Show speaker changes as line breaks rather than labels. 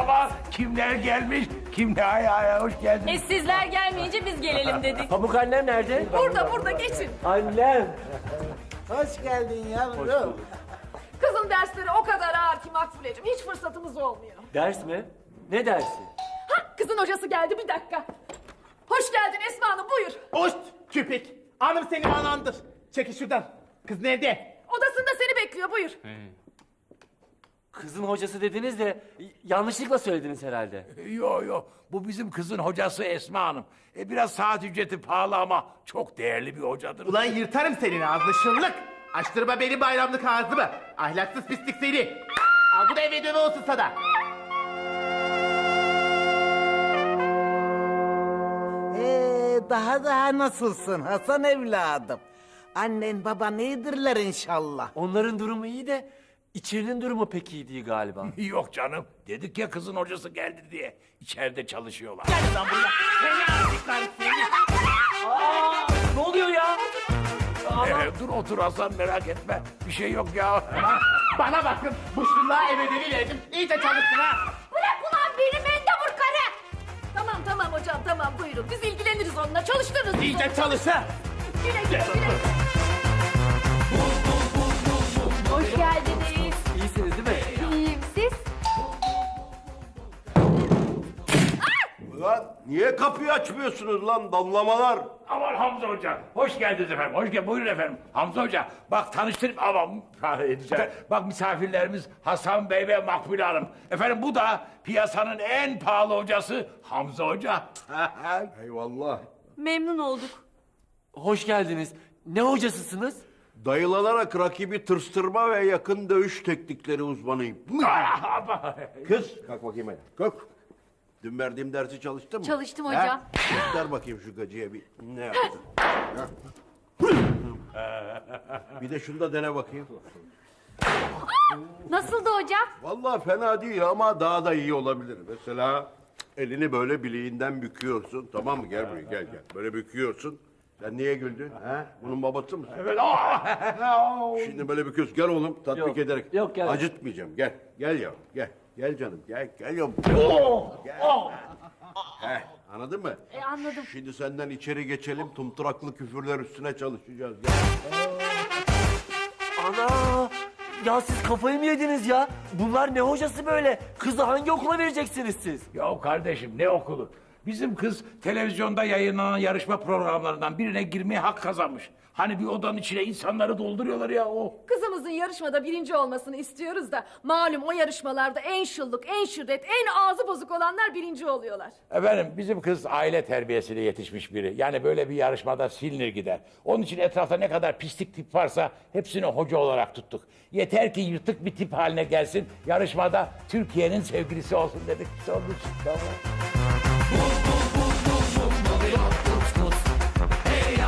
Merhaba. Kimler gelmiş? Kimler? Hoş geldiniz.
Sizler gelmeyince biz gelelim dedik.
Pamuk annem nerede?
Burada geçin.
Annem.
Hoş geldin yavrum.
Kızın dersleri o kadar ağır ki Makbuleciğim hiç fırsatımız olmuyor.
Ders mi? Ne dersi?
Kızın hocası geldi bir dakika. Hoş geldin Esma Hanım buyur.
Hoş küpek. Hanım seni anandır. Çekil şuradan. Kız nerede?
Odasında seni bekliyor buyur.
Kızın hocası dediniz de yanlışlıkla söylediniz herhalde.
Yo. Bu bizim kızın hocası Esma Hanım. Biraz saat ücreti pahalı ama çok değerli bir hocadır.
Ulan yırtarım senin ağzını şıllık. Açtırma benim bayramlık ağzımı. Ahlaksız pislik seni. Al bu da eve döve olsun sana.
Daha nasılsın Hasan evladım? Annen baban iyidirler inşallah.
Onların durumu iyi de içerinin durumu pek iyi değil galiba.
Yok canım. Dedik ya kızın hocası geldi diye. İçeride çalışıyorlar.
Gel lan buraya. Seni azıcıklar seni.
Ne oluyor ya?
Dur otur Hasan merak etme. Bir şey yok ya.
Bana bakın. Bu şıllığa eve dövi verdim. İyice çalışsın ha.
Bırak ulan beni mendebur karı. Tamam hocam tamam buyurun. Biz ilgileniriz onunla çalıştırırız. biz
İyice
onu.
çalış ha.
Güle güle. Hoş geldiniz.
İyisiniz değil mi?
İyiyim siz?
Ulan niye kapıyı açmıyorsunuz lan damlamalar?
Aman Hamza Hoca. Hoş geldiniz efendim. Hoş geldiniz. Buyurun efendim. Hamza Hoca. Bak tanıştırayım. Aman bak misafirlerimiz Hasan Bey ve Makbule Hanım. Efendim bu da piyasanın en pahalı hocası Hamza Hoca.
Eyvallah.
Memnun olduk.
Hoş geldiniz. Ne hocasısınız?
Dayılanarak rakibi tırstırma ve yakın dövüş teknikleri uzmanıyım. Kız kalk bakayım hadi. Kalk. Dün verdiğim dersi çalıştın mı?
Çalıştım hocam.
Ha? Göster bakayım şu gacıya bir ne yaptın. Bir de şunu da dene bakayım.
Nasıldı hocam?
Vallahi fena değil ama daha da iyi olabilir. Mesela elini böyle bileğinden büküyorsun. Tamam mı? Gel buraya gel. Böyle büküyorsun. Sen niye güldün? Ha? Bunun babası mısın?
Evet.
Şimdi böyle büküyorsun. Gel oğlum tatbik
Yok,
ederek.
yok, gel.
Acıtmayacağım. Gel. Gel yavrum. Gel. Gel canım. Gel. Gel yavrum. Gel. Heh, anladın mı?
Anladım.
Şimdi senden içeri geçelim. Tumturaklı küfürler üstüne çalışacağız. Gel.
Ana! Ya siz kafayı mı yediniz ya? Bunlar ne hocası böyle? Kızı hangi okula vereceksiniz siz?
Ya kardeşim ne okulu? Bizim kız televizyonda yayınlanan yarışma programlarından birine girmeye hak kazanmış. Hani bir odanın içine insanları dolduruyorlar ya o.
Kızımızın yarışmada birinci olmasını istiyoruz da malum o yarışmalarda en şıllık, en şiddet, en ağzı bozuk olanlar birinci oluyorlar.
Efendim bizim kız aile terbiyesiyle yetişmiş biri. Yani böyle bir yarışmada silinir gider. Onun için etrafta ne kadar pislik tip varsa hepsini hoca olarak tuttuk. Yeter ki yırtık bir tip haline gelsin. Yarışmada Türkiye'nin sevgilisi olsun dedik. Onun için, tamam.